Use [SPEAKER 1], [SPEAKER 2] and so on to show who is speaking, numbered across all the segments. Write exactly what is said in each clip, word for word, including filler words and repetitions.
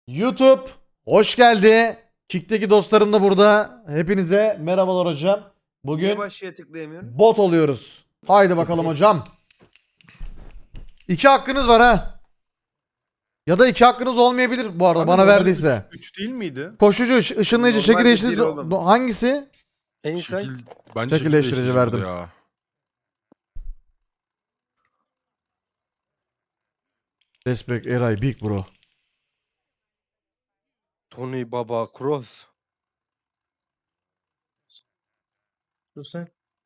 [SPEAKER 1] YouTube hoş geldi. Kick'teki dostlarım da burada. Hepinize merhabalar hocam.
[SPEAKER 2] Niye
[SPEAKER 1] Bugün
[SPEAKER 2] başlığa tıklayamıyorum?
[SPEAKER 1] bot oluyoruz. Haydi bakalım hocam. İki hakkınız var ha. Ya da iki hakkınız olmayabilir bu arada
[SPEAKER 3] Abi
[SPEAKER 1] bana
[SPEAKER 3] normalde
[SPEAKER 1] verdiyse.
[SPEAKER 3] üç üç değil miydi?
[SPEAKER 1] Koşucu, ış- ışınlayıcı, şekil
[SPEAKER 2] Normalde
[SPEAKER 1] değiştirici.
[SPEAKER 2] bir oğlum.
[SPEAKER 1] Hangisi?
[SPEAKER 4] Insight.
[SPEAKER 5] Şekil, bence
[SPEAKER 1] Şekil değiştirici verdim.
[SPEAKER 5] bu Ya.
[SPEAKER 1] Respect Eray Big Bro.
[SPEAKER 4] Tony Baba Cross.
[SPEAKER 2] Dur sen.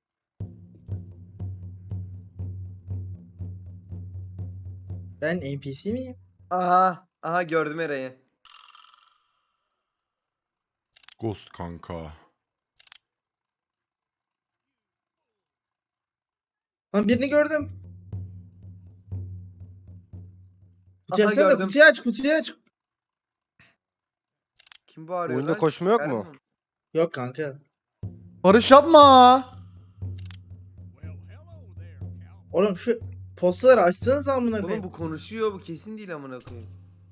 [SPEAKER 6] Ben N P C miyim?
[SPEAKER 2] Aha. Aha gördüm Eray'ı.
[SPEAKER 5] Ghost kanka.
[SPEAKER 6] Lan birini gördüm. Kutuyu
[SPEAKER 2] Aha,
[SPEAKER 6] açsana da
[SPEAKER 2] gördüm.
[SPEAKER 6] kutuyu aç kutuyu aç.
[SPEAKER 2] Kim bağırıyor
[SPEAKER 4] Oyunda
[SPEAKER 2] lan?
[SPEAKER 4] koşma yok mu?
[SPEAKER 2] Erman.
[SPEAKER 6] Yok kanka.
[SPEAKER 1] Barış yapma.
[SPEAKER 6] Oğlum şu postaları açsanız amına
[SPEAKER 2] Oğlum
[SPEAKER 6] koyayım.
[SPEAKER 2] bu konuşuyor, bu kesin değil amına koyayım.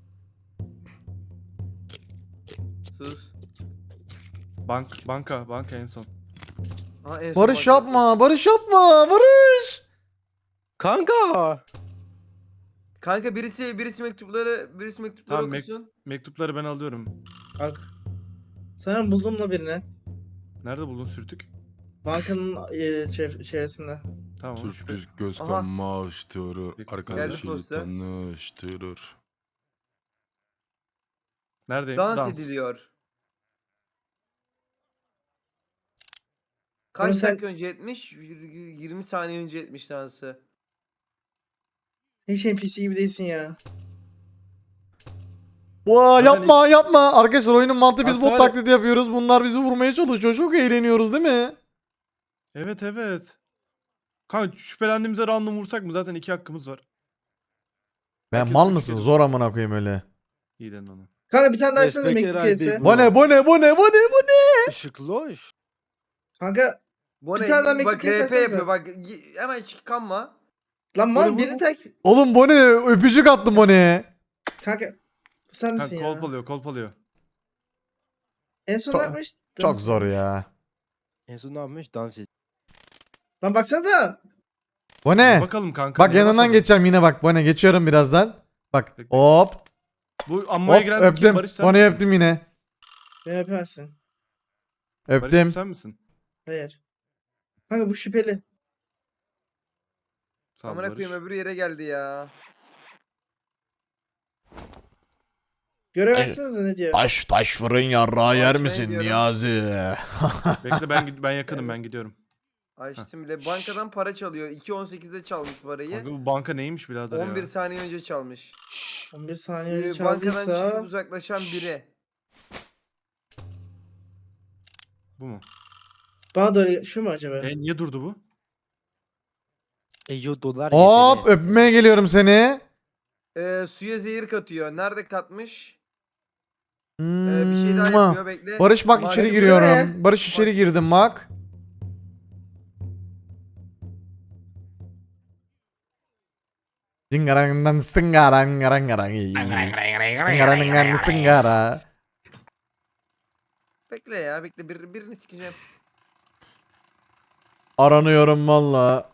[SPEAKER 2] Sus.
[SPEAKER 3] Bank, banka, banka en son.
[SPEAKER 2] Aha, en son
[SPEAKER 1] Barış
[SPEAKER 2] bak-
[SPEAKER 1] yapma. Barış yapma. Barış.
[SPEAKER 4] Kanka.
[SPEAKER 2] Kanka birisi birisi mektupları birisi mektupları
[SPEAKER 3] Tamam, mek-
[SPEAKER 2] okusun.
[SPEAKER 3] Mektupları ben alıyorum.
[SPEAKER 6] Bak. Sana buldum da birini.
[SPEAKER 3] Nerede buldun sürtük?
[SPEAKER 6] Bankanın e, şey, içerisinde.
[SPEAKER 3] Tamam. şüphe-
[SPEAKER 5] Sürpriz göz
[SPEAKER 2] Aha.
[SPEAKER 5] kamaştırır.
[SPEAKER 3] Geldi
[SPEAKER 5] Arkadaşıyla
[SPEAKER 2] posta.
[SPEAKER 5] tanıştırır.
[SPEAKER 3] Neredeyim?
[SPEAKER 2] Dans, ediliyor. Kaç
[SPEAKER 6] Oğlum sen-
[SPEAKER 2] dakika önce etmiş? yirmi saniye önce etmiş dansı.
[SPEAKER 6] Hiç N P C gibi değilsin ya.
[SPEAKER 1] Vaa
[SPEAKER 3] Zaten
[SPEAKER 1] yapma yapma. Arkadaşlar oyunun mantığı biz
[SPEAKER 3] Aslında
[SPEAKER 1] bot
[SPEAKER 3] var ya-
[SPEAKER 1] taklidi yapıyoruz. Bunlar bizi vurmaya çalışıyor. Çok eğleniyoruz değil mi?
[SPEAKER 3] Evet evet. Kanka şüphelendiğimize random vursak mı? Zaten iki hakkımız var.
[SPEAKER 1] Ben
[SPEAKER 3] Herkes
[SPEAKER 1] mal
[SPEAKER 3] üç
[SPEAKER 1] mısın?
[SPEAKER 3] kere-
[SPEAKER 1] Zor amına koyayım öyle.
[SPEAKER 3] İyi dedin onu.
[SPEAKER 6] Kanka bir tane daha açsana da
[SPEAKER 4] Respect
[SPEAKER 6] mektup
[SPEAKER 4] Eray
[SPEAKER 6] gelirse.
[SPEAKER 4] Big
[SPEAKER 1] Bu ne bu ne bu ne bu ne bu ne?
[SPEAKER 4] Işıklı hoş.
[SPEAKER 6] Kanka
[SPEAKER 2] Bu
[SPEAKER 6] Bir
[SPEAKER 2] ne?
[SPEAKER 6] tane daha mektup
[SPEAKER 2] Bak R P
[SPEAKER 6] göstersenize.
[SPEAKER 2] yapıyor bak y- hemen çıkanma.
[SPEAKER 6] lan mal
[SPEAKER 3] Oğlum,
[SPEAKER 6] birini
[SPEAKER 3] bu-
[SPEAKER 6] tek.
[SPEAKER 1] Oğlum bu ne? Öpücük attım bu ne?
[SPEAKER 6] Kanka bu sen misin
[SPEAKER 3] Kanka
[SPEAKER 6] ya?
[SPEAKER 3] kolpalıyor kolpalıyor.
[SPEAKER 6] En son
[SPEAKER 1] Çok-
[SPEAKER 6] ne yapmış?
[SPEAKER 1] Çok zor ya.
[SPEAKER 4] En son ne yapmış? Dans et.
[SPEAKER 6] Lan baksanıza.
[SPEAKER 1] Bu ne?
[SPEAKER 3] Bakalım kanka.
[SPEAKER 1] Bak
[SPEAKER 3] neye
[SPEAKER 1] yanından
[SPEAKER 3] bakalım?
[SPEAKER 1] geçeceğim yine bak. Bu ne? Geçiyorum birazdan. Bak
[SPEAKER 3] Bekle.
[SPEAKER 1] hop
[SPEAKER 3] Bu ammaya
[SPEAKER 1] hop
[SPEAKER 3] giren de kim?
[SPEAKER 1] öptüm.
[SPEAKER 3] Barış sen
[SPEAKER 1] Bu ne
[SPEAKER 3] misin?
[SPEAKER 1] öptüm yine.
[SPEAKER 6] Beni öpemezsin.
[SPEAKER 3] Barış'ım
[SPEAKER 1] Öptüm.
[SPEAKER 3] sen misin?
[SPEAKER 6] Hayır. Kanka bu şüpheli.
[SPEAKER 3] Sağ ol
[SPEAKER 2] Amına
[SPEAKER 3] Barış.
[SPEAKER 2] koyayım öbür yere geldi ya.
[SPEAKER 6] Göremezsiniz de ne diyor?
[SPEAKER 1] Taş taş fırın yarrağı yer
[SPEAKER 2] Açmaya
[SPEAKER 1] misin
[SPEAKER 2] gidiyorum.
[SPEAKER 1] Niyazi?
[SPEAKER 3] Bekle ben gid- ben yakınım ben gidiyorum.
[SPEAKER 2] Açtım bile. Bankadan para çalıyor. iki on sekizde çalmış parayı.
[SPEAKER 3] Kanka bu banka neymiş birader
[SPEAKER 2] on bir
[SPEAKER 3] ya?
[SPEAKER 2] saniye önce çalmış.
[SPEAKER 6] on bir saniye
[SPEAKER 2] Ee,
[SPEAKER 6] önce
[SPEAKER 2] bankadan
[SPEAKER 6] çaldıysa.
[SPEAKER 2] çıkıp uzaklaşan biri.
[SPEAKER 3] Bu mu?
[SPEAKER 6] Bana doğru şu mu acaba?
[SPEAKER 3] E niye durdu bu?
[SPEAKER 4] Eyo dolar
[SPEAKER 1] Hop
[SPEAKER 4] yeteri.
[SPEAKER 1] öpmeye geliyorum seni.
[SPEAKER 2] Ee, suya zehir katıyor. Nerede katmış? Ee, bir şey daha
[SPEAKER 1] Mua.
[SPEAKER 2] yapıyor bekle.
[SPEAKER 1] Barış bak
[SPEAKER 2] Maalesef-
[SPEAKER 1] içeri
[SPEAKER 6] Baksana.
[SPEAKER 1] giriyorum. Barış içeri girdim bak. Dingarangan sıngaran garangaran. Dingarangan sıngara.
[SPEAKER 2] Bekle ya bekle bir, birini sikeceğim.
[SPEAKER 1] Aranıyorum valla.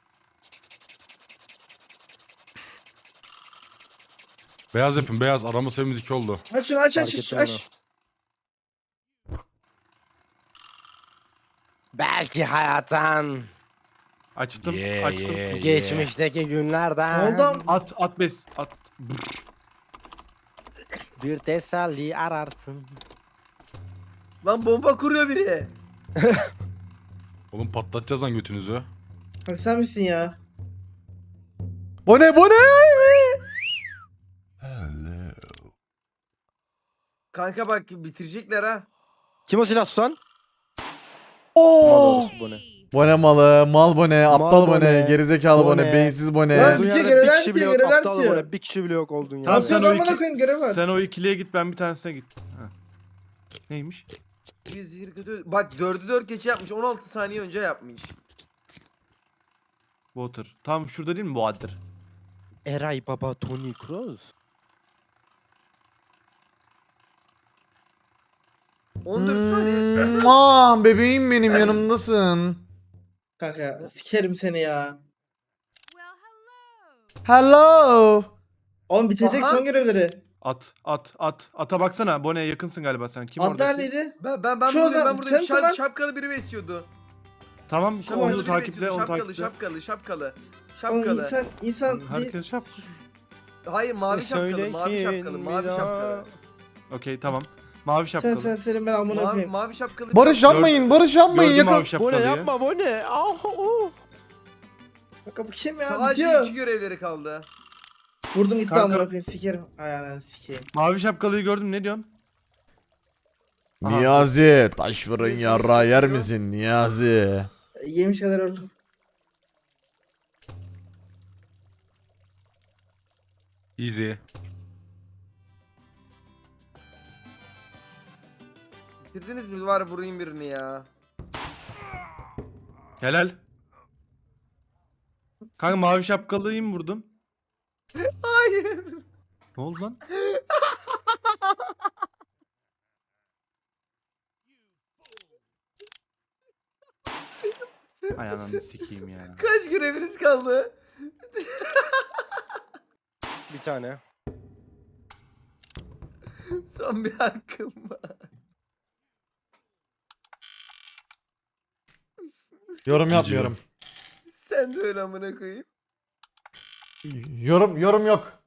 [SPEAKER 5] Beyaz yapın beyaz. Arama sayımız iki oldu.
[SPEAKER 6] Aç şunu aç aç
[SPEAKER 4] Fark
[SPEAKER 6] aç.
[SPEAKER 4] ettim
[SPEAKER 6] aç.
[SPEAKER 4] Belki hayattan.
[SPEAKER 3] Açtım
[SPEAKER 5] Yeah,
[SPEAKER 3] açtım.
[SPEAKER 5] yeah.
[SPEAKER 4] Geçmişteki günlerden.
[SPEAKER 6] Ne oldu?
[SPEAKER 3] At at bez at.
[SPEAKER 4] Bir teselli ararsın.
[SPEAKER 2] Lan bomba kuruyor biri.
[SPEAKER 5] Oğlum patlatacağız lan götünüzü.
[SPEAKER 6] Bak sen misin ya?
[SPEAKER 1] Bu ne bu ne?
[SPEAKER 2] Kanka bak bitirecekler ha.
[SPEAKER 4] Kim o silah tutan? Mal
[SPEAKER 1] Oo.
[SPEAKER 4] orası bu ne?
[SPEAKER 1] Bu ne malı? Mal bu ne? Aptal
[SPEAKER 4] Mal
[SPEAKER 1] bu
[SPEAKER 4] bu
[SPEAKER 1] ne?
[SPEAKER 4] ne?
[SPEAKER 1] Gerizekalı bu
[SPEAKER 4] Bu
[SPEAKER 1] ne?
[SPEAKER 4] ne?
[SPEAKER 1] Beyinsiz bu
[SPEAKER 6] Lan
[SPEAKER 1] ne?
[SPEAKER 4] Olduğun
[SPEAKER 6] bitiyor,
[SPEAKER 4] yerde
[SPEAKER 6] görevler
[SPEAKER 4] bir kişi bile
[SPEAKER 6] bitiyor,
[SPEAKER 4] yok.
[SPEAKER 6] görevler
[SPEAKER 4] Aptal bu
[SPEAKER 6] bitiyor.
[SPEAKER 4] ne? Bir kişi bile yok olduğun
[SPEAKER 3] Tamam,
[SPEAKER 4] yerde.
[SPEAKER 6] Nasıl
[SPEAKER 3] sen
[SPEAKER 6] yok
[SPEAKER 3] o,
[SPEAKER 6] amına
[SPEAKER 3] iki,
[SPEAKER 6] koyayım, görev var.
[SPEAKER 3] sen o ikiliye git ben bir tanesine git. Ha. Neymiş?
[SPEAKER 2] Suya zehir katıyor. Bak dördü dört geçe yapmış. on altı saniye önce yapmış.
[SPEAKER 3] Water. Tam şurada değil mi Water?
[SPEAKER 4] Eray Baba Tony Cross.
[SPEAKER 2] on dört saniye.
[SPEAKER 1] Mua, bebeğim benim yanımdasın.
[SPEAKER 6] Kanka sikerim seni ya.
[SPEAKER 1] Hello.
[SPEAKER 6] Oğlum bitecek
[SPEAKER 2] Aha.
[SPEAKER 6] son görevleri.
[SPEAKER 3] At at at. Ata baksana. Bone'ye yakınsın galiba sen. Kim
[SPEAKER 6] Ad
[SPEAKER 3] orada?
[SPEAKER 6] neredeydi?
[SPEAKER 2] Ben ben ben
[SPEAKER 6] Şu
[SPEAKER 2] buradayım,
[SPEAKER 6] Ozan,
[SPEAKER 2] ben buradayım.
[SPEAKER 6] sen misin lan?
[SPEAKER 2] Şap, şapkalı biri besliyordu.
[SPEAKER 3] Tamam
[SPEAKER 2] Şapkalı
[SPEAKER 3] onu
[SPEAKER 2] biri
[SPEAKER 3] takiple
[SPEAKER 2] besliyordu.
[SPEAKER 3] onu
[SPEAKER 2] Şapkalı,
[SPEAKER 3] takiple.
[SPEAKER 2] şapkalı, şapkalı.
[SPEAKER 6] Oğlum
[SPEAKER 2] Şapkalı.
[SPEAKER 6] insan insan bir...
[SPEAKER 3] Herkes şap.
[SPEAKER 2] Hayır mavi
[SPEAKER 4] E,
[SPEAKER 2] şapkalı,
[SPEAKER 4] söyle
[SPEAKER 2] mavi
[SPEAKER 4] ki
[SPEAKER 2] şapkalı, mavi
[SPEAKER 4] bir daha.
[SPEAKER 2] şapkalı.
[SPEAKER 3] Okey tamam. Mavi
[SPEAKER 6] Sen
[SPEAKER 3] şapkalı.
[SPEAKER 6] sen senin ben amına
[SPEAKER 2] Mavi,
[SPEAKER 6] koyayım.
[SPEAKER 2] mavi şapkalı.
[SPEAKER 1] Barış yapmayın, Barış yapmayın.
[SPEAKER 3] Gördüm
[SPEAKER 1] Yakın.
[SPEAKER 3] mavi
[SPEAKER 4] Bu ne
[SPEAKER 3] şapkalıyı.
[SPEAKER 4] yapma bu ne? Ah, uh.
[SPEAKER 6] Kanka bu kim ya?
[SPEAKER 2] Sadece
[SPEAKER 6] Bitiyor.
[SPEAKER 2] iki görevleri kaldı.
[SPEAKER 6] Vurdum gitti
[SPEAKER 3] Kanka-
[SPEAKER 6] amına koyayım sikerim. Ay ananı sikeyim.
[SPEAKER 3] Mavi şapkalıyı gördüm ne diyorsun? Aha.
[SPEAKER 1] Niyazi, taş fırın
[SPEAKER 2] Neyse,
[SPEAKER 1] yarra yer
[SPEAKER 2] yapıyor.
[SPEAKER 1] misin Niyazi?
[SPEAKER 6] Yemiş kadar oldum.
[SPEAKER 5] Easy.
[SPEAKER 2] Bitirdiniz mi? Var vurayım birini ya.
[SPEAKER 3] Helal. Kanka mavi şapkalıyı mı vurdun?
[SPEAKER 2] Hayır.
[SPEAKER 3] Ne oldu lan? Ay ananı sikeyim ya.
[SPEAKER 2] Kaç göreviniz kaldı?
[SPEAKER 4] Bir tane.
[SPEAKER 2] Son bir hakkım var.
[SPEAKER 1] Yorum yapmıyorum.
[SPEAKER 2] Sen de öyle amına koyayım.
[SPEAKER 1] Yorum yorum yok.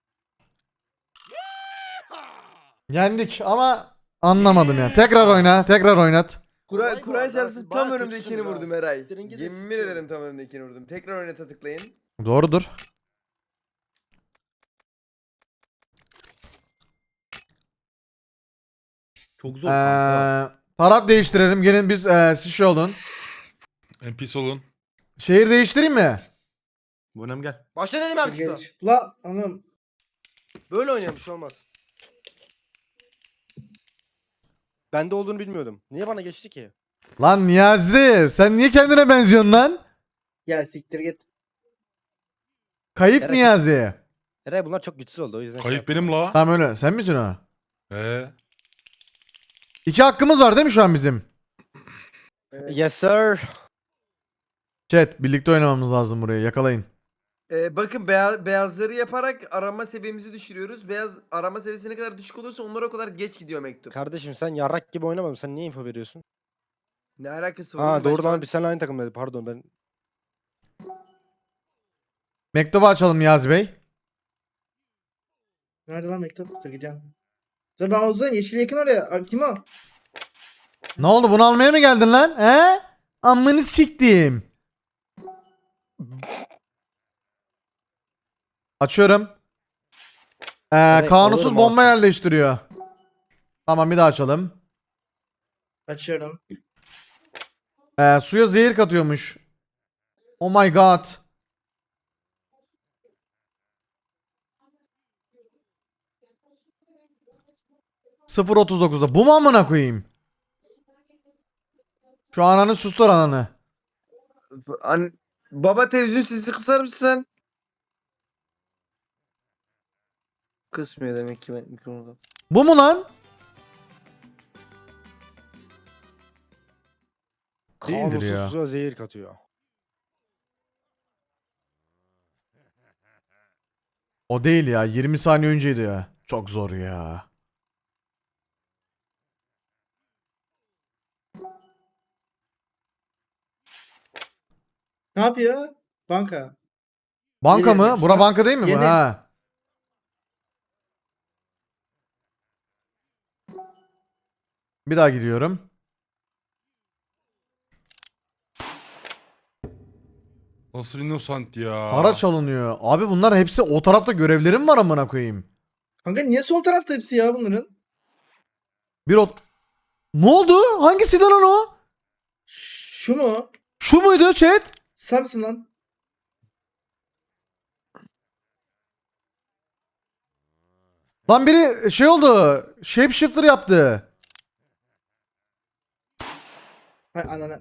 [SPEAKER 1] Yendik ama anlamadım yani. Tekrar oyna, tekrar oynat.
[SPEAKER 2] Kur'an
[SPEAKER 4] Kolay
[SPEAKER 2] Kur'an
[SPEAKER 4] var,
[SPEAKER 2] şarkısının
[SPEAKER 4] ben-
[SPEAKER 2] tam
[SPEAKER 4] bayağı
[SPEAKER 2] önümdekini
[SPEAKER 4] kötüsünüz ha.
[SPEAKER 2] vurdum Eray.
[SPEAKER 4] Siktirin gidin,
[SPEAKER 2] Yemin
[SPEAKER 4] sikiyorum.
[SPEAKER 2] ederim tam önümdekini vurdum. Tekrar oynata tıklayın.
[SPEAKER 1] Doğrudur.
[SPEAKER 3] Çok zor kanka.
[SPEAKER 1] Ee, taraf değiştirelim. Gelin biz ee, siz şey olun.
[SPEAKER 5] N P C olun.
[SPEAKER 1] Şehir değiştireyim mi?
[SPEAKER 3] Bonem gel.
[SPEAKER 4] Başla dedim abi
[SPEAKER 6] Geç.
[SPEAKER 4] şurada.
[SPEAKER 6] La anam.
[SPEAKER 4] Böyle oynayalım bir şey olmaz. Bende olduğunu bilmiyordum. Niye bana geçti ki?
[SPEAKER 1] Lan Niyazi, sen niye kendine benziyorsun lan?
[SPEAKER 6] Ya siktir git.
[SPEAKER 1] Kayıp
[SPEAKER 4] Gerek-
[SPEAKER 1] Niyazi.
[SPEAKER 4] Eray bunlar çok güçsüz oldu o yüzden. şey
[SPEAKER 5] Kayıp
[SPEAKER 4] yapmadım.
[SPEAKER 5] benim la.
[SPEAKER 1] Tamam öyle. Sen misin o?
[SPEAKER 5] Ee,
[SPEAKER 1] İki hakkımız var değil mi şu an bizim?
[SPEAKER 6] Evet.
[SPEAKER 4] Yes sir.
[SPEAKER 1] Chat, birlikte oynamamız lazım burayı. Yakalayın.
[SPEAKER 2] Ee, bakın beya- beyazları yaparak arama seviyemizi düşürüyoruz. Beyaz arama seviyesi ne kadar düşük olursa onlara o kadar geç gidiyor mektup.
[SPEAKER 4] Kardeşim sen yarrak gibi oynamadın. Sen niye info veriyorsun?
[SPEAKER 2] Ne alakası var?
[SPEAKER 4] Ha
[SPEAKER 2] oğlum?
[SPEAKER 4] doğru
[SPEAKER 2] Ben şu
[SPEAKER 4] lan
[SPEAKER 2] an-
[SPEAKER 4] biz seninle aynı takımdaydık. Pardon ben.
[SPEAKER 1] Mektubu açalım Niyazi Bey.
[SPEAKER 6] Nerede lan mektup? Dur gideceğim. Dur ben Ozan yeşil yakın oraya. Aa, kim o?
[SPEAKER 1] Ne oldu, bunu almaya mı geldin lan? He? Amını siktim. Açıyorum. Ee,
[SPEAKER 4] Evet,
[SPEAKER 1] kanunsuz
[SPEAKER 4] alırım
[SPEAKER 1] bomba
[SPEAKER 4] olsun.
[SPEAKER 1] yerleştiriyor. Tamam, bir daha açalım.
[SPEAKER 6] Açıyorum.
[SPEAKER 1] Ee, suya zehir katıyormuş. Oh my god. sıfır otuz dokuzda. Bu mu amına koyayım? Şu ananı sustur ananı.
[SPEAKER 2] An- Baba televizyon sesi kısar mısın? Kısmıyor demek ki ben mikrofonda.
[SPEAKER 1] Bu mu lan? Değildir
[SPEAKER 4] Kanunsuz
[SPEAKER 1] ya.
[SPEAKER 4] suya zehir katıyor.
[SPEAKER 1] O değil ya. yirmi saniye önceydi ya. Çok zor ya.
[SPEAKER 6] Ne yapıyor? Banka.
[SPEAKER 1] Banka
[SPEAKER 6] Yeni
[SPEAKER 1] mı?
[SPEAKER 6] yapmış
[SPEAKER 1] Bura
[SPEAKER 6] ya.
[SPEAKER 1] banka değil mi bu?
[SPEAKER 6] Yeni.
[SPEAKER 1] Ha. Bir daha gidiyorum.
[SPEAKER 5] nasıl innocent ya.
[SPEAKER 1] Para çalınıyor. Abi bunlar hepsi o tarafta görevlerim var amına koyayım.
[SPEAKER 6] Kanka niye sol tarafta hepsi ya bunların?
[SPEAKER 1] Bir ot... Ne oldu? Hangisi lan o?
[SPEAKER 6] Şu mu?
[SPEAKER 1] Şu muydu chat?
[SPEAKER 6] Sen misin lan?
[SPEAKER 1] Lan biri şey oldu. Shapeshifter yaptı.
[SPEAKER 6] Hay anana.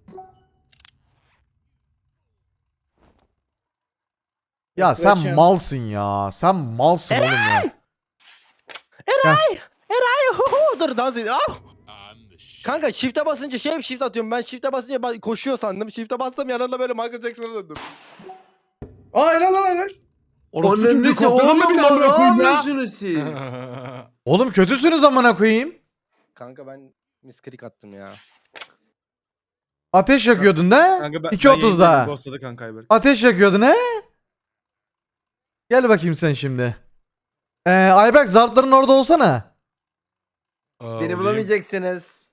[SPEAKER 1] Ya
[SPEAKER 6] Yok,
[SPEAKER 1] sen
[SPEAKER 6] bırak şu an.
[SPEAKER 1] malsın ya. Sen malsın oğlum ya.
[SPEAKER 4] Eray! Eray! Hu hu! Dur dans edin. Ah! Kanka shift'e basınca şey shift atıyorum. Ben shift'e basınca ba- koşuyor sandım. Shift'e bastım yanında böyle Michael Jackson'a döndüm.
[SPEAKER 6] Aa helal lan helal.
[SPEAKER 3] Orospu
[SPEAKER 2] Onun
[SPEAKER 3] çocuğu
[SPEAKER 2] nesi
[SPEAKER 3] kopyaladın
[SPEAKER 2] oğlum
[SPEAKER 3] mı beni
[SPEAKER 2] lan,
[SPEAKER 3] amına
[SPEAKER 2] ne
[SPEAKER 3] koyayım ya?
[SPEAKER 2] yapıyorsunuz siz?
[SPEAKER 1] Oğlum kötüsünüz amına koyayım.
[SPEAKER 4] Kanka ben misklik attım ya.
[SPEAKER 1] Ateş yakıyordun da.
[SPEAKER 3] Kanka ben,
[SPEAKER 1] iki
[SPEAKER 3] ben
[SPEAKER 1] otuzda.
[SPEAKER 3] yayındaydım, Ghostladı kanka Ayberk.
[SPEAKER 1] Ateş yakıyordun he? Gel bakayım sen şimdi. Ee, Ayberk zartların orada olsana.
[SPEAKER 5] Aa,
[SPEAKER 2] Beni
[SPEAKER 5] olayım.
[SPEAKER 2] bulamayacaksınız.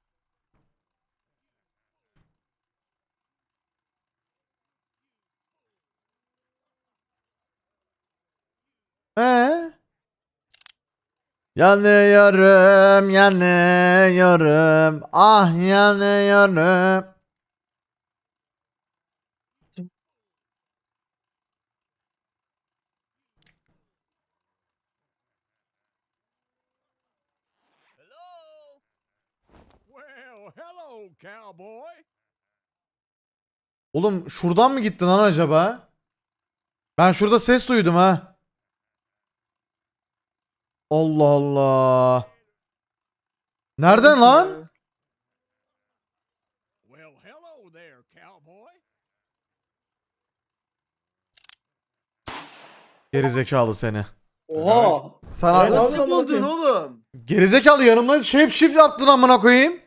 [SPEAKER 1] He? Yanıyorum, yanıyorum. Ah yanıyorum.
[SPEAKER 7] Well, hello, cowboy.
[SPEAKER 1] Oğlum şuradan mı gittin lan acaba? Ben şurada ses duydum ha. Allah Allah. Nereden lan?
[SPEAKER 7] Well, hello there, cowboy.
[SPEAKER 1] Gerizekalı seni.
[SPEAKER 6] Oha.
[SPEAKER 1] Sana
[SPEAKER 6] Evet,
[SPEAKER 2] Nasıl
[SPEAKER 6] Oğlum,
[SPEAKER 2] buldun
[SPEAKER 6] bakın.
[SPEAKER 2] oğlum?
[SPEAKER 1] gerizekalı yanımda shape shift yaptın amına koyayım.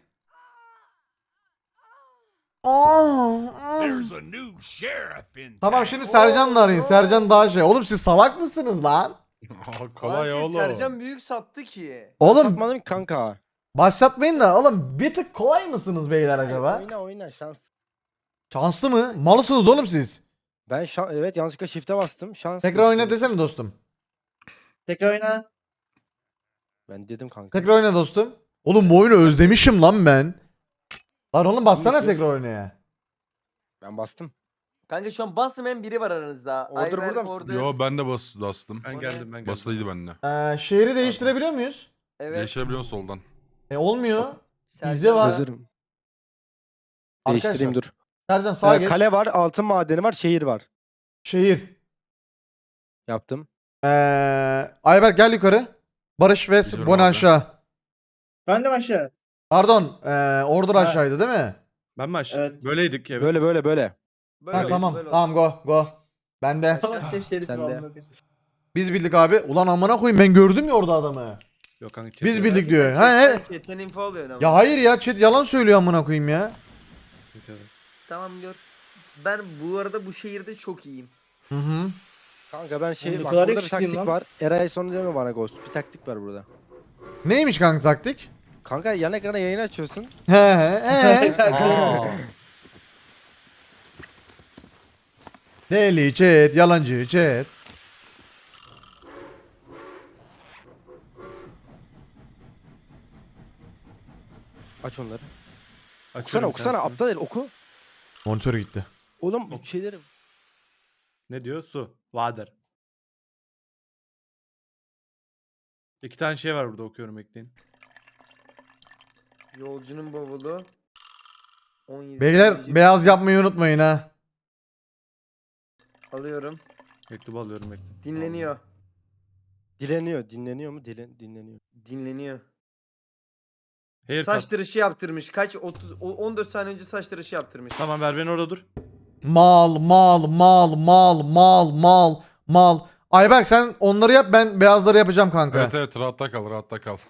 [SPEAKER 1] Aa, aa.
[SPEAKER 7] There's a new sheriff in
[SPEAKER 1] Tamam
[SPEAKER 7] town.
[SPEAKER 1] şimdi Sercan'la arayın.
[SPEAKER 2] Oo.
[SPEAKER 1] Sercan daha şey. Oğlum siz salak mısınız lan?
[SPEAKER 5] Aa, kolay
[SPEAKER 2] Kanka,
[SPEAKER 5] oğlum.
[SPEAKER 2] Sercan büyük sattı ki.
[SPEAKER 1] Oğlum
[SPEAKER 4] Satmadım ki kanka.
[SPEAKER 1] başlatmayın da oğlum bir tık kolay mısınız beyler acaba?
[SPEAKER 4] Oyna oyna şans.
[SPEAKER 1] Şanslı mı? Malısınız oğlum siz.
[SPEAKER 4] Ben şan evet yanlışlıkla shift'e bastım. Şans.
[SPEAKER 1] Tekrar oyna desene dostum.
[SPEAKER 6] Tekrar oyna.
[SPEAKER 4] Ben dedim kanka.
[SPEAKER 1] Tekrar oyna dostum. Oğlum bu oyunu özlemişim lan ben. Lan oğlum bassana
[SPEAKER 4] Bilmiyorum.
[SPEAKER 1] tekrar oynaya.
[SPEAKER 4] Ben bastım.
[SPEAKER 2] Kanka şu an basmayan biri var aranızda.
[SPEAKER 4] Order
[SPEAKER 2] Ayberk,
[SPEAKER 4] burada mısın?
[SPEAKER 2] Order.
[SPEAKER 5] Yo ben de bas bastım.
[SPEAKER 3] Ben
[SPEAKER 2] O
[SPEAKER 3] geldim
[SPEAKER 2] ne?
[SPEAKER 3] ben geldim.
[SPEAKER 5] Basılıydı bende.
[SPEAKER 1] Ee, şehri değiştirebiliyor muyuz?
[SPEAKER 2] Evet.
[SPEAKER 5] Değiştirebiliyorsun soldan.
[SPEAKER 1] E olmuyor.
[SPEAKER 2] Sercan
[SPEAKER 1] Bizde var.
[SPEAKER 4] Hazırım.
[SPEAKER 1] Arkadaşlar,
[SPEAKER 4] Değiştireyim dur.
[SPEAKER 1] Sercan sağa
[SPEAKER 4] Ee,
[SPEAKER 1] geç.
[SPEAKER 4] kale var, altın madeni var, şehir var.
[SPEAKER 1] Şehir.
[SPEAKER 4] Yaptım.
[SPEAKER 1] Ee, Ayberk gel yukarı. Barış ve
[SPEAKER 5] Gidiyorum
[SPEAKER 1] Boni
[SPEAKER 5] abi.
[SPEAKER 1] aşağı.
[SPEAKER 6] Ben de aşağı.
[SPEAKER 1] Pardon. Ee, Order
[SPEAKER 6] Ha.
[SPEAKER 1] aşağıydı değil mi?
[SPEAKER 3] Ben mi aşağı?
[SPEAKER 6] Evet.
[SPEAKER 3] Böyleydik evet.
[SPEAKER 4] Böyle böyle böyle.
[SPEAKER 2] Böyle
[SPEAKER 1] Ha,
[SPEAKER 2] olsun,
[SPEAKER 1] tamam.
[SPEAKER 2] böyle olsun.
[SPEAKER 1] Tamam go go. Ben de.
[SPEAKER 6] Tamam şef şerif
[SPEAKER 4] Sen de.
[SPEAKER 6] vallahi.
[SPEAKER 1] Biz bildik abi. Ulan amına koyayım ben gördüm ya orada adamı.
[SPEAKER 3] Yok kanka. chat
[SPEAKER 1] Biz
[SPEAKER 3] yok.
[SPEAKER 1] bildik
[SPEAKER 2] Sen
[SPEAKER 1] diyor. Ha,
[SPEAKER 2] chatten-
[SPEAKER 1] he.
[SPEAKER 2] chatten info alıyorsun ama.
[SPEAKER 1] Ya hayır ya chat yalan söylüyor amına koyayım ya.
[SPEAKER 3] Chat yok.
[SPEAKER 2] Tamam gör. Ben bu arada bu şehirde çok iyiyim.
[SPEAKER 1] Hı hı.
[SPEAKER 4] Kanka ben şey
[SPEAKER 6] Oğlum ne
[SPEAKER 4] bak
[SPEAKER 6] kadar
[SPEAKER 4] burada bir
[SPEAKER 6] yakışıklıyım
[SPEAKER 4] taktik
[SPEAKER 6] lan.
[SPEAKER 4] var. Eray sonra deme bana Ghost. Bir taktik var burada.
[SPEAKER 1] Neymiş kanka taktik?
[SPEAKER 4] Kanka yan ekrana yayın açıyorsun.
[SPEAKER 1] He he he.
[SPEAKER 3] Aa.
[SPEAKER 1] Deli chat, yalancı chat.
[SPEAKER 4] Aç onları. Okusana
[SPEAKER 3] Açıyorum
[SPEAKER 4] okusana
[SPEAKER 3] tanesini.
[SPEAKER 4] aptal el oku.
[SPEAKER 1] Monitör gitti.
[SPEAKER 4] Oğlum bu şeyleri.
[SPEAKER 3] Ne diyor? Su. Water. İki tane şey var burada okuyorum ekleyin.
[SPEAKER 2] Yolcunun bavulu. on yedi
[SPEAKER 1] Beyler
[SPEAKER 2] saniye
[SPEAKER 1] beyaz yapmayı unutmayın ha.
[SPEAKER 2] alıyorum.
[SPEAKER 3] Mektubu alıyorum mektubu.
[SPEAKER 2] Dinleniyor.
[SPEAKER 4] Dileniyor. Dinleniyor mu? Dilen, dinleniyor.
[SPEAKER 2] Dinleniyor.
[SPEAKER 3] Haircut.
[SPEAKER 2] Saç tıraşı yaptırmış. Kaç? otuz, o- on dört saniye önce saç tıraşı yaptırmış.
[SPEAKER 3] Tamam ver beni orada dur.
[SPEAKER 1] Mal mal mal mal mal mal mal. Ayberk sen onları yap ben beyazları yapacağım kanka.
[SPEAKER 5] Evet evet rahatta kal rahatta kal.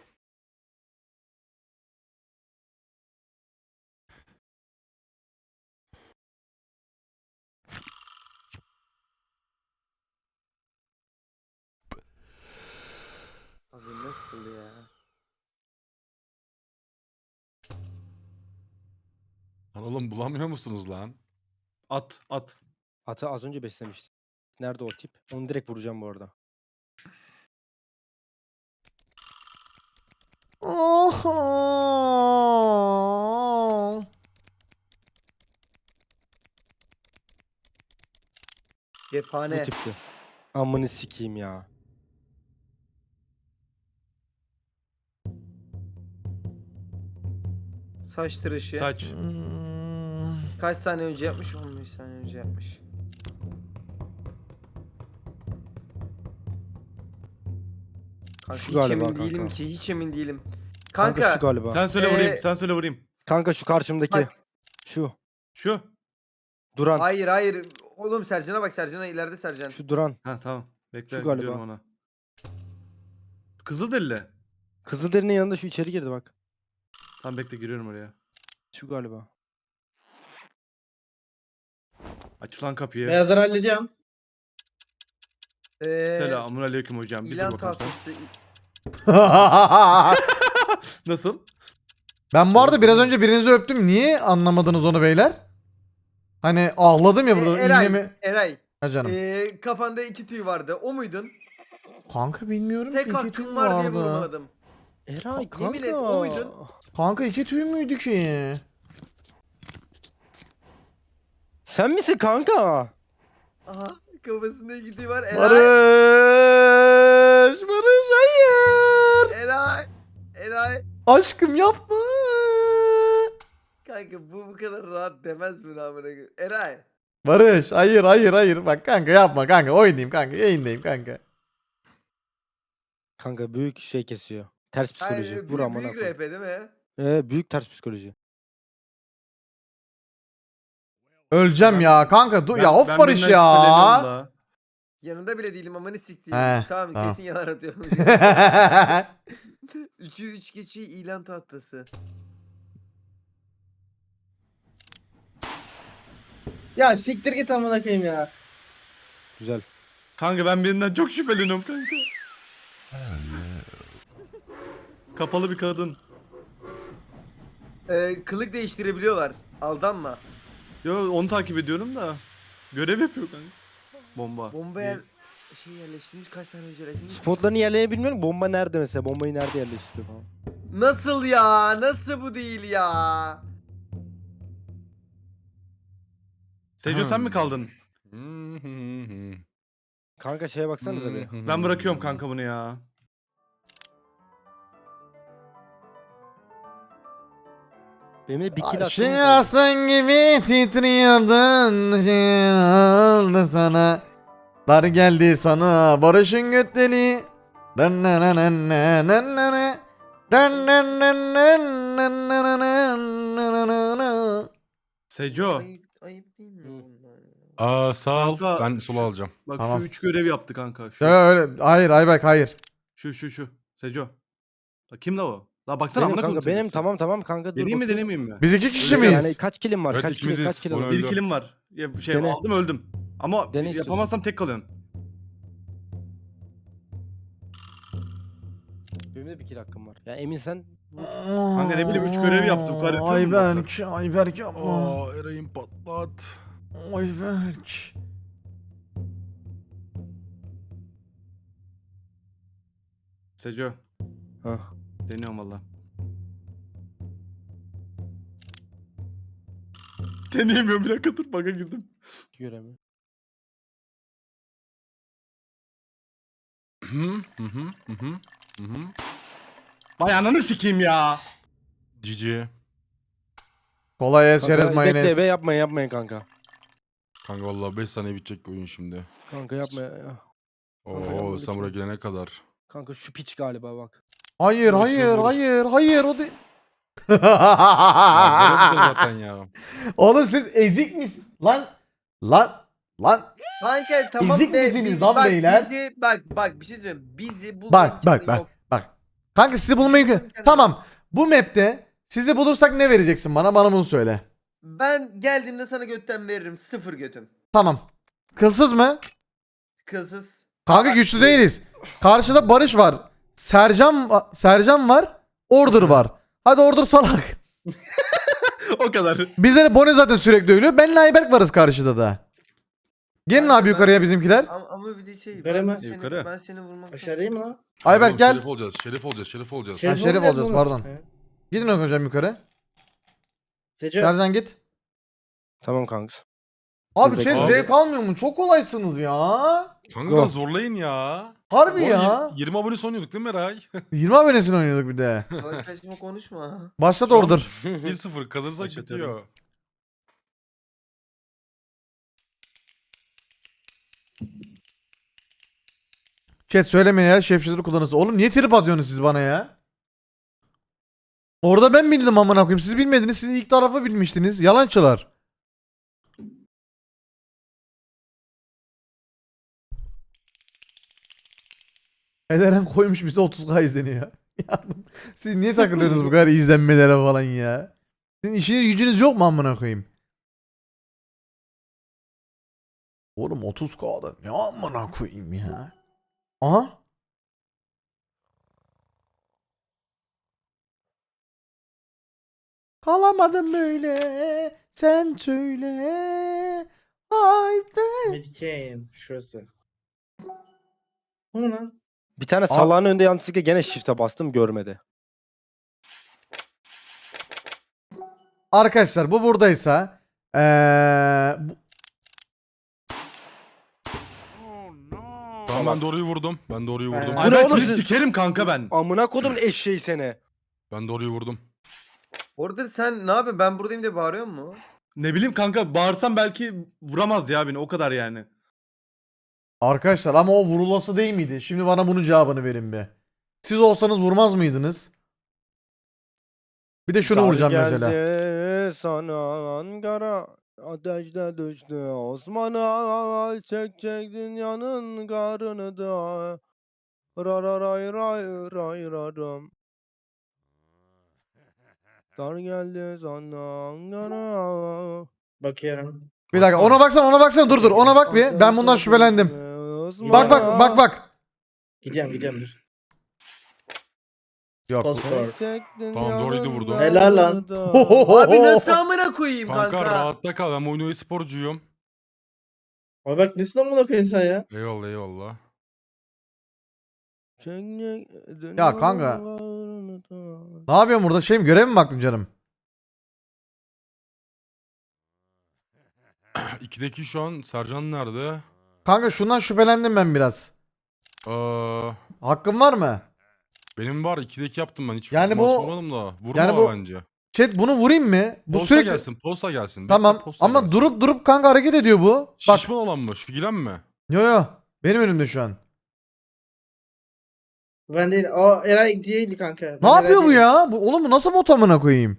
[SPEAKER 2] Abi nasıl ya?
[SPEAKER 5] Lan oğlum bulamıyor musunuz lan?
[SPEAKER 3] At at.
[SPEAKER 4] Atı az önce beslemiştim. Nerede o tip? Onu direkt vuracağım bu arada.
[SPEAKER 1] Oho.
[SPEAKER 4] Bu
[SPEAKER 2] Cephane.
[SPEAKER 4] tipti. Amını sikeyim ya.
[SPEAKER 2] Saç tıraşı.
[SPEAKER 3] Saç.
[SPEAKER 1] Hmm.
[SPEAKER 2] Kaç saniye önce yapmış? on beş saniye önce yapmış. Kanka
[SPEAKER 4] Şu
[SPEAKER 2] hiç
[SPEAKER 4] galiba
[SPEAKER 2] emin değilim
[SPEAKER 4] kanka.
[SPEAKER 2] ki. Hiç emin değilim.
[SPEAKER 4] Kanka,
[SPEAKER 2] Kanka.
[SPEAKER 4] şu galiba.
[SPEAKER 3] Sen söyle
[SPEAKER 2] Ee,
[SPEAKER 3] vurayım. Sen söyle vurayım.
[SPEAKER 4] Kanka şu karşımdaki.
[SPEAKER 2] Bak.
[SPEAKER 4] Şu.
[SPEAKER 3] Şu.
[SPEAKER 4] Duran.
[SPEAKER 2] Hayır hayır. Oğlum Sercan'a bak, Sercan'a ileride Sercan.
[SPEAKER 4] Şu Duran.
[SPEAKER 3] Ha tamam. Bekle
[SPEAKER 4] Şu galiba.
[SPEAKER 3] gidiyorum ona. Kızılderili.
[SPEAKER 4] Kızılderinin yanında şu içeri girdi bak.
[SPEAKER 3] Tamam bekle giriyorum oraya.
[SPEAKER 4] Şu galiba.
[SPEAKER 3] Aç lan kapıyı.
[SPEAKER 6] Beyazları hallediyorum.
[SPEAKER 2] Ee,
[SPEAKER 3] Selamun aleyküm hocam. Bir dur
[SPEAKER 2] İlan
[SPEAKER 3] bakalım sen.
[SPEAKER 2] tahtası.
[SPEAKER 3] Nasıl?
[SPEAKER 1] Ben bu arada biraz önce birinizi öptüm. Niye anlamadınız onu beyler? Hani ağladım ya burada.
[SPEAKER 2] Ee, Eray.
[SPEAKER 1] İğnemi...
[SPEAKER 2] Eray.
[SPEAKER 1] Ha canım.
[SPEAKER 2] Ee, kafanda iki tüy vardı. O muydun?
[SPEAKER 1] Kanka bilmiyorum
[SPEAKER 2] Tek
[SPEAKER 1] ki. iki tüy
[SPEAKER 2] hakkım
[SPEAKER 1] mü
[SPEAKER 2] var diye
[SPEAKER 1] vardı?
[SPEAKER 2] vurmadım.
[SPEAKER 4] Eray kanka.
[SPEAKER 2] Yemin et, o muydun?
[SPEAKER 1] Kanka iki tüy müydü ki?
[SPEAKER 4] Sen misin kanka?
[SPEAKER 2] Aha, kafasında iki tüy var. Eray.
[SPEAKER 1] Barış! Barış hayır!
[SPEAKER 2] Eray. Eray.
[SPEAKER 1] Aşkım yapma!
[SPEAKER 2] Kanka bu bu kadar rahat demez mi lan bana? Eray.
[SPEAKER 1] Barış hayır hayır hayır. Bak kanka yapma kanka. Oynayayım kanka. Yayındayım kanka.
[SPEAKER 4] Kanka büyük şey kesiyor. Ters psikoloji.
[SPEAKER 2] Hayır,
[SPEAKER 4] Vur
[SPEAKER 2] büyük,
[SPEAKER 4] amına
[SPEAKER 2] büyük
[SPEAKER 4] koy.
[SPEAKER 2] R P değil mi?
[SPEAKER 4] Ee, büyük ters psikoloji.
[SPEAKER 1] Öleceğim ya kanka. Dur ya
[SPEAKER 3] Ben-
[SPEAKER 1] of
[SPEAKER 3] ben
[SPEAKER 1] Barış
[SPEAKER 3] birinden
[SPEAKER 1] ya.
[SPEAKER 3] şüpheleniyorum da.
[SPEAKER 2] Yanında bile değilim ama ne siktiğim.
[SPEAKER 1] He,
[SPEAKER 2] Tamam,
[SPEAKER 1] tamam.
[SPEAKER 2] kesin yalan atıyorum. Üçü üç geçi ilan tahtası.
[SPEAKER 6] Ya siktir git amına koyayım ya.
[SPEAKER 4] Güzel.
[SPEAKER 3] Kanka ben birinden çok şüpheleniyorum kanka. Kapalı bir kadın.
[SPEAKER 2] Ee, kılık değiştirebiliyorlar. Aldanma.
[SPEAKER 3] Yo onu takip ediyorum da. Görev yapıyor kanka. Bomba.
[SPEAKER 2] Bomba yer... Şey yerleştirmiş, kaç saniye önce yerleştirmiş.
[SPEAKER 4] Spotların yerlerini bilmiyorum. Bomba nerede mesela? Bombayı nerede yerleştiriyor falan.
[SPEAKER 2] Nasıl ya? Nasıl bu değil ya?
[SPEAKER 3] Seco sen mi kaldın?
[SPEAKER 4] Kanka şeye baksanıza bir.
[SPEAKER 3] Ben bırakıyorum kanka bunu ya.
[SPEAKER 4] Benim de bir kill attım.
[SPEAKER 1] Şimdi aslan gibi titriyordun. Şey oldu sana. Dar geldi sana. Barış'ın götteli. Dın dın dın dın dın dın dın. Dın dın dın dın dın dın dın dın dın.
[SPEAKER 3] Seco.
[SPEAKER 2] Ayıp, ayıp değil mi bunlar ya?
[SPEAKER 5] Aa sağ ol.
[SPEAKER 3] Kanka,
[SPEAKER 5] Ben sola
[SPEAKER 3] şu-
[SPEAKER 5] alacağım.
[SPEAKER 3] Bak
[SPEAKER 1] Tamam.
[SPEAKER 3] şu üç görev yaptı kanka. Şu,
[SPEAKER 1] Ya öyle. Hayır Ayberk hayır.
[SPEAKER 3] şu şu şu. Seco. La kim la o? La baksana
[SPEAKER 4] Benim
[SPEAKER 3] amına
[SPEAKER 4] kanka
[SPEAKER 3] koyayım
[SPEAKER 4] benim
[SPEAKER 3] Seco'su.
[SPEAKER 4] tamam tamam kanka dur
[SPEAKER 3] Deneyeyim mi
[SPEAKER 4] bakayım.
[SPEAKER 3] denemeyeyim mi?
[SPEAKER 1] Biz iki kişi
[SPEAKER 3] Öyle
[SPEAKER 1] miyiz?
[SPEAKER 4] Yani kaç killim var?
[SPEAKER 5] Evet,
[SPEAKER 4] kaç kill, kaç
[SPEAKER 5] ikimiziz.
[SPEAKER 4] kill
[SPEAKER 5] Onu
[SPEAKER 4] aldım?
[SPEAKER 3] Bir
[SPEAKER 5] öldü.
[SPEAKER 3] kilim var. Ya, şey
[SPEAKER 4] Dene.
[SPEAKER 3] aldım öldüm. Ama
[SPEAKER 4] Dene istiyorsan.
[SPEAKER 3] yapamazsam tek kalıyorsun.
[SPEAKER 4] Benim de bir kill hakkım var. Ya emin sen
[SPEAKER 3] Kanka ne bileyim, üç görev yaptım, bu kadar yapıyor mu
[SPEAKER 1] Ayberk, Ayberk yapma.
[SPEAKER 5] Aa Eray'ın patlat.
[SPEAKER 1] Ayberk.
[SPEAKER 3] Seco.
[SPEAKER 4] Hah.
[SPEAKER 3] Deniyorum valla. Deneyemiyorum, bir dakika dur, bug'a girdim.
[SPEAKER 4] görev mi?
[SPEAKER 5] Hı hı hı hı hı hı hı.
[SPEAKER 3] Vay ananı sikeyim ya.
[SPEAKER 5] Cici.
[SPEAKER 1] Kolay et
[SPEAKER 4] Kanka,
[SPEAKER 1] şerez
[SPEAKER 4] bekle
[SPEAKER 1] mayonez.
[SPEAKER 4] be yapmayın yapmayın kanka.
[SPEAKER 5] Kanka vallahi beş saniye bitecek oyun şimdi.
[SPEAKER 4] Kanka yapma ya. Kanka,
[SPEAKER 5] Oo
[SPEAKER 4] yapma
[SPEAKER 5] sen buraya
[SPEAKER 4] lütfen.
[SPEAKER 5] gelene kadar.
[SPEAKER 4] Kanka şu piç galiba bak.
[SPEAKER 1] Hayır
[SPEAKER 5] Barış,
[SPEAKER 1] hayır
[SPEAKER 5] Barış.
[SPEAKER 1] hayır hayır o değil.
[SPEAKER 5] Ya, görüyorum zaten ya.
[SPEAKER 1] Oğlum siz ezik misiniz? Lan lan lan
[SPEAKER 2] Kanka tamam
[SPEAKER 1] Ezik
[SPEAKER 2] be,
[SPEAKER 1] misiniz
[SPEAKER 2] bizi-
[SPEAKER 1] lan
[SPEAKER 2] bak,
[SPEAKER 1] beyler?
[SPEAKER 2] Bizi, bak bak bir şey söyleyeyim. Bizi bulma
[SPEAKER 1] bak
[SPEAKER 2] imkanı
[SPEAKER 1] bak bak
[SPEAKER 2] yok.
[SPEAKER 1] bak. Kanka sizi bulmayı
[SPEAKER 2] imkanı
[SPEAKER 1] Tamam. Bu map'te sizi bulursak ne vereceksin bana? Bana bunu söyle.
[SPEAKER 2] Ben geldiğimde sana götten veririm. Sıfır götüm.
[SPEAKER 1] Tamam. Kılsız mı?
[SPEAKER 2] Kılsız.
[SPEAKER 1] Kanka güçlü değiliz. Karşıda Barış var. Sercan va- Sercan var. Order var. Hadi Order salak.
[SPEAKER 3] O kadar.
[SPEAKER 1] Bizde de Bone zaten sürekli ölüyor. Benle Ayberk varız karşıda da. Gelin
[SPEAKER 2] Kanka
[SPEAKER 1] abi
[SPEAKER 2] ben-
[SPEAKER 1] yukarıya bizimkiler.
[SPEAKER 2] Ama, ama bir de şey.
[SPEAKER 6] Yukarı
[SPEAKER 2] Ben,
[SPEAKER 6] mı?
[SPEAKER 2] seni,
[SPEAKER 3] Yukarı.
[SPEAKER 2] ben seni vurmak.
[SPEAKER 6] Aşağı değil mi lan?
[SPEAKER 1] Ayberk
[SPEAKER 5] Oğlum,
[SPEAKER 1] gel.
[SPEAKER 5] Şerif olacağız, şerif olacağız, şerif olacağız.
[SPEAKER 1] Şerif
[SPEAKER 6] olacağız
[SPEAKER 1] olacağız,
[SPEAKER 6] oğlum.
[SPEAKER 1] pardon.
[SPEAKER 6] He.
[SPEAKER 1] Gidin hocam yukarı.
[SPEAKER 6] Seco.
[SPEAKER 1] Sercan git.
[SPEAKER 4] Tamam kanka.
[SPEAKER 1] Abi
[SPEAKER 4] Dur
[SPEAKER 1] şey
[SPEAKER 4] bekle.
[SPEAKER 1] zevk almıyor mu? Çok kolaysınız ya.
[SPEAKER 5] Kanka
[SPEAKER 4] Go.
[SPEAKER 5] zorlayın ya.
[SPEAKER 1] Harbi
[SPEAKER 5] Oğlum,
[SPEAKER 1] ya.
[SPEAKER 5] yirmi- yirmi abone sonuyorduk değil mi Eray?
[SPEAKER 1] yirmi abonesini oynuyorduk bir de.
[SPEAKER 2] Salak saçma konuşma.
[SPEAKER 1] Başlat Order.
[SPEAKER 5] bir sıfır kazanırsak
[SPEAKER 3] Başlatıyorum.
[SPEAKER 5] bitiyor.
[SPEAKER 1] Chat söylemeyin ya şefşileri kullanırsın. Oğlum niye trip atıyorsunuz siz bana ya? Orada ben bildim amına koyayım. Siz bilmediniz. Siz ilk tarafı bilmiştiniz. Yalancılar. Ederen koymuş bize otuz K izleniyor. Ya, siz niye takılıyorsunuz bu kadar izlenmelere falan ya? Sizin işiniz gücünüz yok mu amına koyayım? Oğlum otuz K'da ne amına koyayım ya? Aha. Kalamadım böyle. Sen söyle. Haydi.
[SPEAKER 6] Medicaid şurası. O ne lan?
[SPEAKER 4] Bir tane salağın önünde yanlışlıkla gene shift'e bastım görmedi.
[SPEAKER 1] Arkadaşlar bu buradaysa eee bu-
[SPEAKER 5] Tamam ben doğruyu vurdum. Ben doğruyu vurdum.
[SPEAKER 6] Ee,
[SPEAKER 3] Ay
[SPEAKER 4] ne
[SPEAKER 3] ben
[SPEAKER 4] oğlum
[SPEAKER 3] seni
[SPEAKER 4] siz-
[SPEAKER 3] sikerim kanka ben.
[SPEAKER 4] Amına kodumun eşeği seni.
[SPEAKER 5] Ben doğruyu vurdum.
[SPEAKER 2] Orada sen ne yapıyorsun? Ben buradayım diye bağırıyor mu?
[SPEAKER 3] Ne bileyim kanka bağırsam belki vuramaz ya beni o kadar yani.
[SPEAKER 1] arkadaşlar ama o vurulası değil miydi? Şimdi bana bunun cevabını verin bir. Siz olsanız vurmaz mıydınız? Bir de şunu
[SPEAKER 4] Dar
[SPEAKER 1] vuracağım mesela.
[SPEAKER 4] geldi sana Ankara. Ateşte düştü Osman'a. Çekecek dünyanın karını da. Ra ra ray ray ray raram. Dar geldi sana Ankara.
[SPEAKER 6] Bakıyorum.
[SPEAKER 1] Bir dakika ona baksana ona baksana dur dur ona bak bir. Ben bundan şüphelendim. Bak bak bak bak.
[SPEAKER 6] Gidiyorum gidiyorum dur.
[SPEAKER 1] Yok.
[SPEAKER 6] Passport.
[SPEAKER 5] Tamam, doğruydu vurdum.
[SPEAKER 6] Helal lan.
[SPEAKER 2] Abi nasıl amına koyayım
[SPEAKER 5] Kanka,
[SPEAKER 2] kanka?
[SPEAKER 5] rahatta kal. Ben oyunu sporcuyum.
[SPEAKER 6] Abi bak nesin amına koyayım sen ya?
[SPEAKER 5] Eyvallah eyvallah.
[SPEAKER 1] Ya kanka. Ne yapıyorsun burada? Şey mi görev mi baktın canım?
[SPEAKER 5] ikideki şu an Sercan nerede?
[SPEAKER 1] Kanka şundan şüphelendim ben biraz.
[SPEAKER 5] Ee,
[SPEAKER 1] Hakkın var mı?
[SPEAKER 5] benim var. ikideki yaptım ben. Hiç
[SPEAKER 1] Yani
[SPEAKER 5] temas
[SPEAKER 1] bu-
[SPEAKER 5] vurmadım da. Vurma
[SPEAKER 1] yani bu-
[SPEAKER 5] bence.
[SPEAKER 1] Chat bunu vurayım mı? Bu
[SPEAKER 5] Posta
[SPEAKER 1] sürekli...
[SPEAKER 5] gelsin. Posta gelsin. Bekle,
[SPEAKER 1] Tamam
[SPEAKER 5] posta
[SPEAKER 1] ama
[SPEAKER 5] gelsin.
[SPEAKER 1] durup durup kanka hareket ediyor bu. Bak.
[SPEAKER 5] Şişman olan mı? Şu giren mi?
[SPEAKER 1] Yo yo. Benim önümde şu an.
[SPEAKER 6] Ben değil. O Eray değil kanka.
[SPEAKER 1] Ne yapıyor bu ya? Bu, oğlum bu nasıl bot amına koyayım?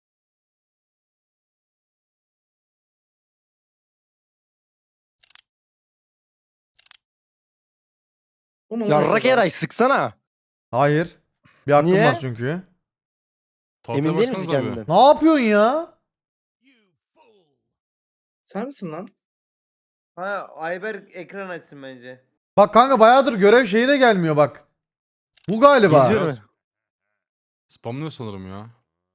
[SPEAKER 4] Yarrak Eray sıksana.
[SPEAKER 1] Hayır. Bir hakkım
[SPEAKER 4] Niye?
[SPEAKER 1] var çünkü.
[SPEAKER 5] Tahtaya
[SPEAKER 4] Emin değil misin
[SPEAKER 5] baksanıza bir.
[SPEAKER 4] kendinden?
[SPEAKER 1] Ne yapıyorsun ya?
[SPEAKER 6] Sen misin lan?
[SPEAKER 2] Ha Ayberk ekran açsın bence.
[SPEAKER 1] Bak kanka bayağıdır görev şeyi de gelmiyor bak. Bu galiba.
[SPEAKER 4] Geziyor.
[SPEAKER 5] Biraz Spamlıyor sanırım ya.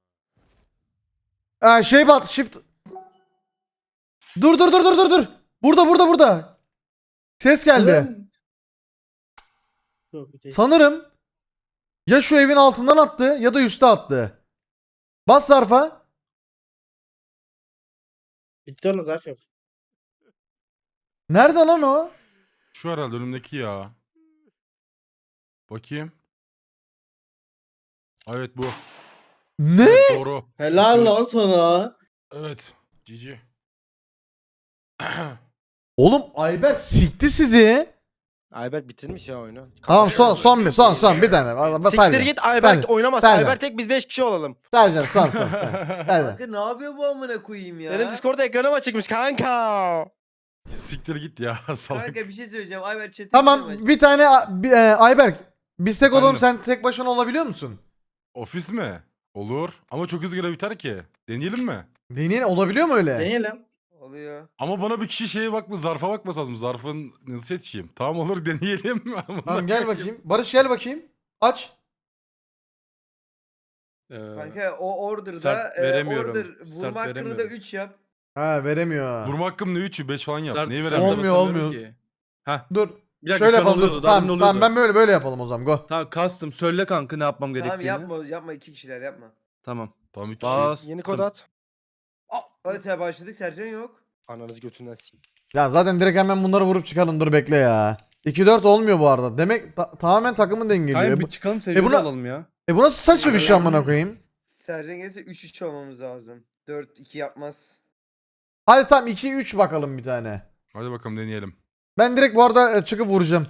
[SPEAKER 1] Ha, şey bat shift. Dur dur dur dur dur dur. Burada burada burada. Ses geldi.
[SPEAKER 6] Sanırım- Yok, bir değil.
[SPEAKER 1] Sanırım ya şu evin altından attı ya da üste attı. Bas zarfa.
[SPEAKER 6] Bitti onun zarf yok.
[SPEAKER 1] Nerede lan o?
[SPEAKER 5] Şu herhalde önümdeki ya. Bakayım. Evet bu.
[SPEAKER 1] Ne?
[SPEAKER 5] Evet, doğru.
[SPEAKER 6] Helal
[SPEAKER 5] Evet.
[SPEAKER 6] lan sana.
[SPEAKER 5] Evet. Cici.
[SPEAKER 1] Oğlum Ayber sikti sizi.
[SPEAKER 4] Ayberk bitirmiş ya oyunu.
[SPEAKER 1] Tamam son son bir son son bir tane.
[SPEAKER 4] Siktir
[SPEAKER 1] Sadece.
[SPEAKER 4] git Ayberk
[SPEAKER 1] Sadece.
[SPEAKER 4] oynamaz.
[SPEAKER 1] Sadece.
[SPEAKER 4] Ayberk tek biz beş kişi olalım.
[SPEAKER 1] Sadece son son. son. Hadi.
[SPEAKER 2] Kanka ne yapıyor bu amına koyayım ya?
[SPEAKER 4] Benim Discord'da ekranıma çıkmış kanka.
[SPEAKER 5] Siktir git ya salak.
[SPEAKER 2] Kanka bir şey söyleyeceğim. Ayberk chat'e
[SPEAKER 1] Tamam bir tane bir, e, Ayberk. Biz tek olalım
[SPEAKER 5] Efendim?
[SPEAKER 1] sen tek başına olabiliyor musun?
[SPEAKER 5] Ofis mi? Olur. Ama çok hızlı görev biter ki. Deneyelim mi?
[SPEAKER 1] Deneyin olabiliyor mu öyle?
[SPEAKER 6] Deneyelim.
[SPEAKER 2] Oluyor.
[SPEAKER 5] Ama bana bir kişi şeye bakma, zarfa bakması lazım. Zarfın nasıl yetişeyim? Tamam olur deneyelim.
[SPEAKER 1] Tamam gel bakayım. Barış gel bakayım. Aç.
[SPEAKER 2] Kanka o order'da
[SPEAKER 3] Sert
[SPEAKER 2] e,
[SPEAKER 3] veremiyorum.
[SPEAKER 2] order
[SPEAKER 3] Sert
[SPEAKER 2] vurma hakkını da
[SPEAKER 3] veremiyorum.
[SPEAKER 2] üç yap.
[SPEAKER 1] Ha veremiyor.
[SPEAKER 5] Vurma hakkım ne üçü beş falan yap.
[SPEAKER 3] Sert-
[SPEAKER 5] Neyi
[SPEAKER 3] sert
[SPEAKER 5] veremem?
[SPEAKER 1] Olmuyor,
[SPEAKER 3] basamıyorum
[SPEAKER 1] olmuyor.
[SPEAKER 3] ki. Heh.
[SPEAKER 1] Dur.
[SPEAKER 3] Bir dakika,
[SPEAKER 1] Şöyle
[SPEAKER 3] şu an
[SPEAKER 1] yapalım dur.
[SPEAKER 3] oluyordu, daha demin
[SPEAKER 1] Tamam, tamam
[SPEAKER 3] oluyordu.
[SPEAKER 1] ben böyle böyle yapalım o zaman. Go.
[SPEAKER 3] Tamam custom söyle kanka ne yapmam
[SPEAKER 2] Tamam
[SPEAKER 3] gerektiğini.
[SPEAKER 2] yapma yapma iki kişiler yapma.
[SPEAKER 3] Tamam.
[SPEAKER 5] Tamam üç
[SPEAKER 3] Bas.
[SPEAKER 5] kişiyiz.
[SPEAKER 4] Yeni kod at.
[SPEAKER 2] Hadi sen başladık Sercan yok.
[SPEAKER 4] Ananızı götünden s***.
[SPEAKER 1] Ya zaten direkt hemen bunları vurup çıkalım. Dur bekle ya. iki dört olmuyor bu arada. Demek ta- tamamen takımın dengeliyor.
[SPEAKER 3] Hayır
[SPEAKER 1] E
[SPEAKER 3] bir
[SPEAKER 1] bu,
[SPEAKER 3] çıkalım sevgili
[SPEAKER 1] buna-
[SPEAKER 3] olalım ya.
[SPEAKER 1] e bu nasıl saçma bir şey amına koyayım?
[SPEAKER 2] Sercan gelirse üç üç olmamız lazım. dört iki yapmaz.
[SPEAKER 1] Hadi tamam iki üç bakalım bir tane.
[SPEAKER 5] Hadi bakalım deneyelim.
[SPEAKER 1] Ben direkt bu arada e, çıkıp vuracağım.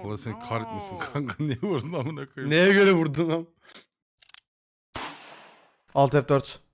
[SPEAKER 5] Allah seni kahretmesin kanka. Niye vurdun amına koyayım?
[SPEAKER 3] Neye göre vurdun lan?
[SPEAKER 1] Alt F dört.